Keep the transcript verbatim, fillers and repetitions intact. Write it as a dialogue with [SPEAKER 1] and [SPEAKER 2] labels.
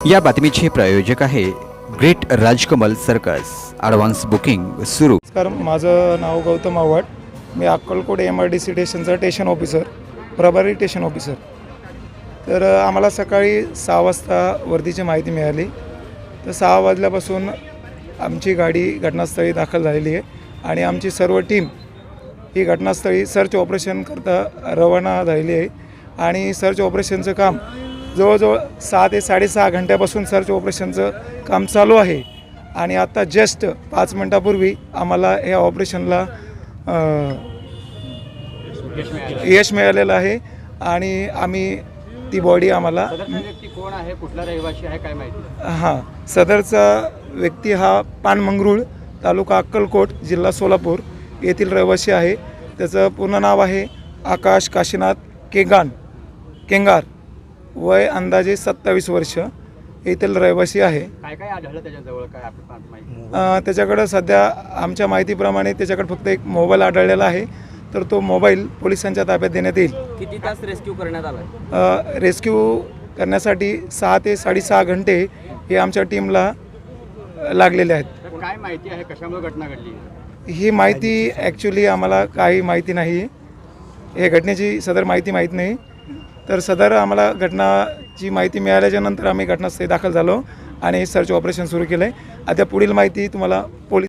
[SPEAKER 1] या बातमीचे प्रायोजक आहे great Rajkamal circus. Advance booking सुरू।
[SPEAKER 2] नमस्कार, माझं नाव गौतम आव्हाड। मी Akkalkot M R D C स्टेशनचा स्टेशन ऑफिसर, प्रभारी स्टेशन ऑफिसर। तर आम्हाला सकाळी सहा वाजता वर्दीची माहिती मिळाली। तर सहा वाजल्यापासून आमची गाडी घटनास्थळी दाखल झालेली आहे आणि आमची सर्व टीम ही घटनास्थळी सर्च ऑपरेशन करता रवाना झालेली आहे आणि सर्च ऑपरेशनचं काम जवळजवळ सहा ते साडेसहा घंट्यापासून सर्च ऑपरेशनचं काम चालू आहे आणि आता जस्ट पाच मिनटापूर्वी आम्हाला या ऑपरेशनला यश मिळालेलं आहे आणि आम्ही ती बॉडी आम्हाला
[SPEAKER 3] कोण आहे, कुठला रहिवासी आहे, काय माहिती?
[SPEAKER 2] हां, सदरचा व्यक्ती हा पानमंगरूळ, तालुका अक्कलकोट, जिल्हा सोलापूर येथील रहिवासी आहे। त्याचं पूर्ण नाव आहे आकाश काशीनाथ केगान केंगार, वय अंदाजे सत्तावीस वर्ष, येथील रहिवासी आहे।
[SPEAKER 3] काय काय आढळलं त्याच्याजवळ, काय आपल्याला माहिती?
[SPEAKER 2] त्याच्याकडं सध्या आमच्या माहितीप्रमाणे त्याच्याकडे फक्त एक मोबाईल आढळलेला आहे, तर तो मोबाईल पोलिसांच्या ताब्यात देण्यात येईल।
[SPEAKER 3] किती तास रेस्क्यू करण्यात आला?
[SPEAKER 2] रेस्क्यू करण्यासाठी सहा ते साडेसहा घंटे हे आमच्या टीमला लागलेले आहेत।
[SPEAKER 3] तर काय माहिती आहे, कशामुळे घटना घडली?
[SPEAKER 2] ही माहिती ॲक्च्युली आम्हाला काही माहिती नाही, हे घटनेची सदर माहिती माहीत नाही। तर सदर आम्हाला घटनाची माहिती मिळाल्याच्या नंतर आम्ही घटनास्थळी दाखल झालो आणि सर्च ऑपरेशन सुरू केलं आहे। आता पुढील माहिती तुम्हाला पोलीस